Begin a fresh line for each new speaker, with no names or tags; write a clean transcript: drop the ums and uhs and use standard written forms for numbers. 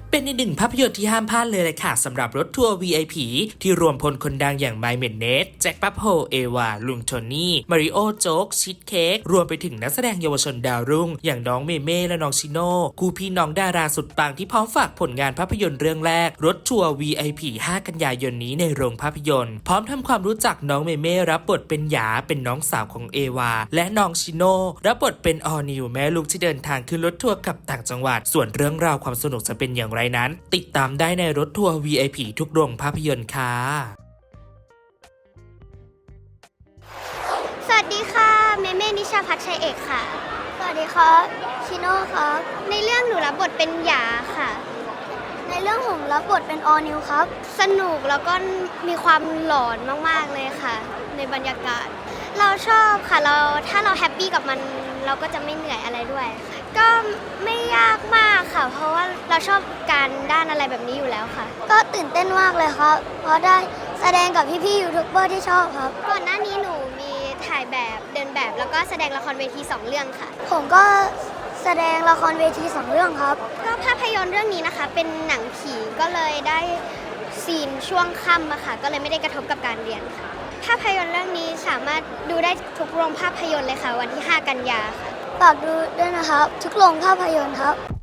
เป็นอีกหนึ่งภาพยนตร์ที่ห้ามพลาดเลยแหละค่ะสำหรับรถทัวร์ VIP ที่รวมพลคนดังอย่างไมเมนเนสแจ็คปั๊บโฮเอวาลุงโทนี่มาริโอโจ๊กชิดเค้กรวมไปถึงนักแสดงเยาวชนดาวรุ่งอย่างน้องเมเม่และน้องชิโน่คู่พี่น้องดาราสุดปังที่พร้อมฝากผลงานภาพยนตร์เรื่องแรกรถทัวร์ VIP 5 กันยายนนี้ในโรงภาพยนตร์พร้อมทำความรู้จักน้องเมเม่รับบทเป็นหยาเป็นน้องสาวของเอวาและน้องชิโน่รับบทเป็นออร์นิวแม่ลูกที่เดินทางขึ้นรถทัวร์กลับต่างจังหวัดส่วนเรื่องราวความสนุกจะเป็นอย่างไรนั้นติดตามได้ในรถทัวร์ VIP ทุกโรงภาพยนตร์ค่ะ
สวัสดีค่ะเมเม่นิชาพัฒน์ชัยเอกค่ะสวัสดีครับชิโน่ครับในเรื่องหนูรับบทเป็นหยาค่ะในเรื่องผมรับบทเป็นออนิวครับสนุกแล้วก็มีความหลอนมากๆเลยค่ะในบรรยากาศเราชอบค่ะถ้าเราแฮปปี้กับมันเราก็จะไม่เหนื่อยอะไรด้วยก็ไม่ยากมากค่ะเพราะว่าเราชอบการด้านอะไรแบบนี้อยู่แล้วค่ะก็ตื่นเต้นมากเลยครับเพราะได้แสดงกับพี่ๆยูทูบเบอร์ที่ชอบครับก่อนหน้านี้หนูมีถ่ายแบบเดินแบบแล้วก็แสดงละครเวที2 เรื่องค่ะผมก็แสดงละครเวที2 เรื่องครับก็ภาพยนตร์เรื่องนี้นะคะเป็นหนังผีก็เลยได้ซีนช่วงค่ำอะค่ะก็เลยไม่ได้กระทบกับการเรียนค่ะภาพยนตร์เรื่องนี้สามารถดูได้ทุกโรงภาพยนตร์เลยค่ะวันที่5 กันยาค่ะฝากดูด้วยนะครับทุกโรงภาพยนตร์ครับ